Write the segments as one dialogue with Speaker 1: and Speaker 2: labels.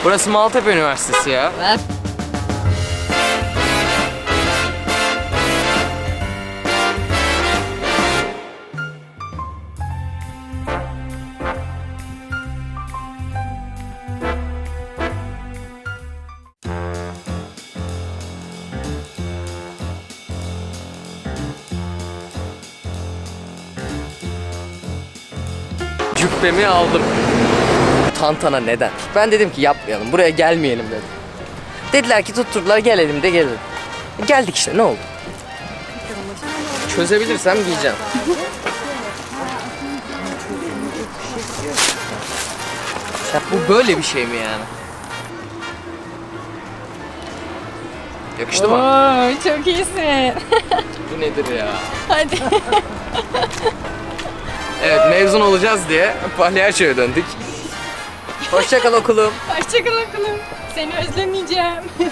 Speaker 1: Burası Maltepe Üniversitesi ya.
Speaker 2: Ver.
Speaker 1: Cübbemi aldım. Tantana neden? Ben dedim ki yapmayalım, buraya gelmeyelim dedim. Dediler ki tutturdular, gelelim de gelelim. Geldik işte, ne oldu? Çözebilirsem giyeceğim. Ya bu böyle bir şey mi yani? Yakıştı mı?
Speaker 2: Oo, çok iyisin.
Speaker 1: Bu nedir ya?
Speaker 2: Hadi.
Speaker 1: Evet, mezun olacağız diye palyaçoya döndük. Hoşça kal okulum.
Speaker 2: Hoşçakal okulum. Seni özlemeyeceğim.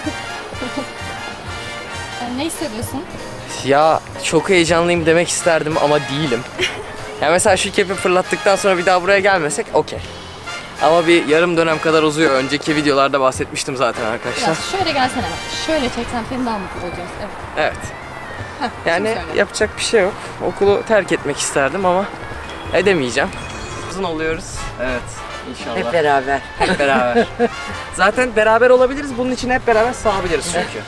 Speaker 2: Ne hissediyorsun?
Speaker 1: Ya çok heyecanlıyım demek isterdim ama değilim. Ya mesela şu kepi fırlattıktan sonra bir daha buraya gelmesek okey. Ama bir yarım dönem kadar uzuyor. Önceki videolarda bahsetmiştim zaten arkadaşlar.
Speaker 2: Biraz şöyle gelsene bak. Şöyle çeksen seni daha mutlu olacağız. Evet.
Speaker 1: Evet. Yani
Speaker 2: şimdi söyle.
Speaker 1: yapacak bir şey yok. Okulu terk etmek isterdim ama edemeyeceğim. Uzun oluyoruz. Evet. İnşallah.
Speaker 3: Hep beraber.
Speaker 1: Hep beraber. Zaten beraber olabiliriz. Bunun için hep beraber sağabiliriz çünkü.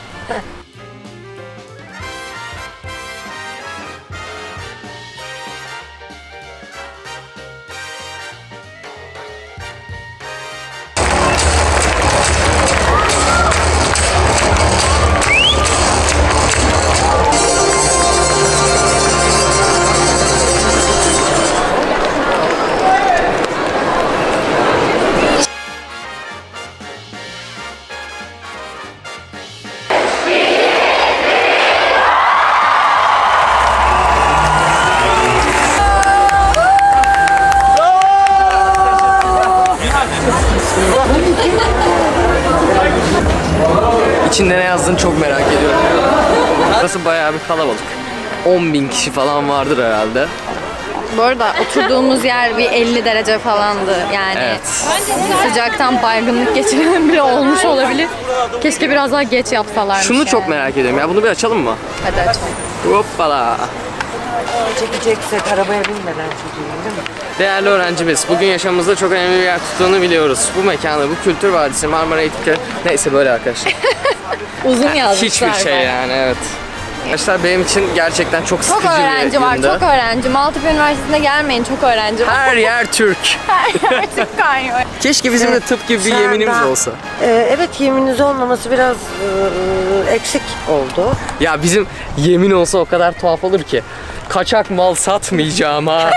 Speaker 1: İçinde ne yazdığını çok merak ediyorum. Burası bayağı bir kalabalık. 10.000 kişi falan vardır herhalde.
Speaker 2: Bu arada oturduğumuz yer bir 50 derece falandı. Yani
Speaker 1: Evet.
Speaker 2: sıcaktan baygınlık geçiren bile olmuş olabilir. Keşke biraz daha geç yapsalarmış.
Speaker 1: Şunu çok
Speaker 2: yani.
Speaker 1: merak ediyorum ya. Bunu bir açalım mı?
Speaker 2: Hadi açalım.
Speaker 1: Hoppala.
Speaker 3: Çekeceksek arabaya binmeden çekelim değil mi?
Speaker 1: Değerli öğrencimiz, bugün yaşamımızda çok önemli bir yer tuttuğunu biliyoruz. Bu mekanı, bu kültür vadisi, Marmara Eğitim neyse böyle arkadaşlar.
Speaker 2: Uzun yazmışlar.
Speaker 1: Hiçbir şey
Speaker 2: bayağı.
Speaker 1: yani, evet. Arkadaşlar benim için gerçekten çok
Speaker 2: Çok
Speaker 1: sıkıcı bir
Speaker 2: öğrenci var,
Speaker 1: gündü.
Speaker 2: çok öğrenci. Maltepe Üniversitesi'ne gelmeyin, çok öğrenci var.
Speaker 1: Her yer Türk.
Speaker 2: Her yer Türk kaynıyor.
Speaker 1: Keşke bizim de tıp gibi bir
Speaker 3: Şu
Speaker 1: yeminimiz
Speaker 3: anda-
Speaker 1: olsa.
Speaker 3: Evet, yemininiz olmaması biraz eksik oldu.
Speaker 1: Ya bizim yemin olsa o kadar tuhaf olur ki. Kaçak mal satmayacağıma,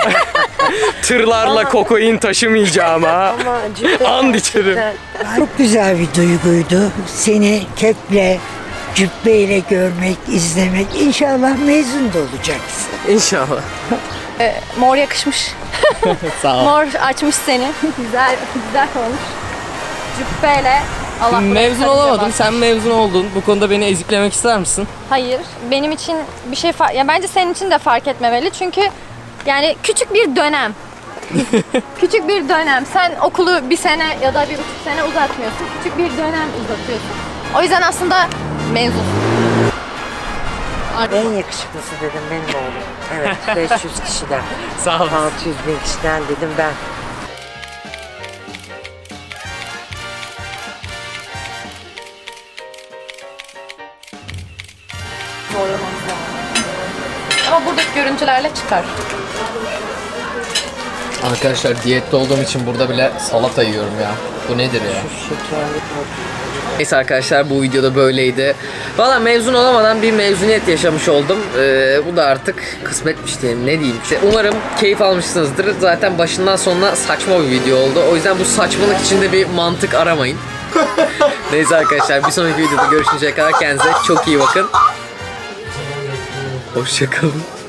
Speaker 1: tırlarla kokain taşımayacağıma,
Speaker 3: Ama cidden
Speaker 1: and içerim.
Speaker 4: Çok güzel bir duyguydu. Seni keple, cübbeyle görmek, izlemek. İnşallah mezun da olacaksın.
Speaker 1: İnşallah.
Speaker 2: Mor yakışmış.
Speaker 1: Sağ ol.
Speaker 2: Mor açmış seni. Güzel, güzel olmuş. Cübbeyle. Allah
Speaker 1: Mezun
Speaker 2: bıraksa
Speaker 1: olamadım,
Speaker 2: bize
Speaker 1: sen mezun oldun. Bu konuda beni eziklemek ister misin?
Speaker 2: Hayır, benim için bir şey ya bence senin için de fark etmemeli çünkü yani küçük bir dönem. Küçük bir dönem. Sen okulu bir sene ya da 1,5 sene uzatmıyorsun. Küçük bir dönem uzatıyorsun. O yüzden aslında mezun.
Speaker 3: En yakışıklısı dedim benim oğlum. Evet, 500 kişiden,
Speaker 1: Sağ ol.
Speaker 3: 600 bin kişiden dedim ben.
Speaker 2: Ama buradaki görüntülerle çıkar.
Speaker 1: Arkadaşlar diyette olduğum için burada bile salata yiyorum ya. Bu nedir ya?
Speaker 3: Şekerli
Speaker 1: Neyse arkadaşlar, bu videoda böyleydi. Valla mezun olamadan bir mezuniyet yaşamış oldum. Bu da artık kısmetmiş diyeyim, ne diyeyim. İşte umarım keyif almışsınızdır. Zaten başından sonuna saçma bir video oldu. O yüzden bu saçmalık içinde bir mantık aramayın. Neyse arkadaşlar, bir sonraki videoda görüşünceye kadar kendinize çok iyi bakın. Hoşçakalın.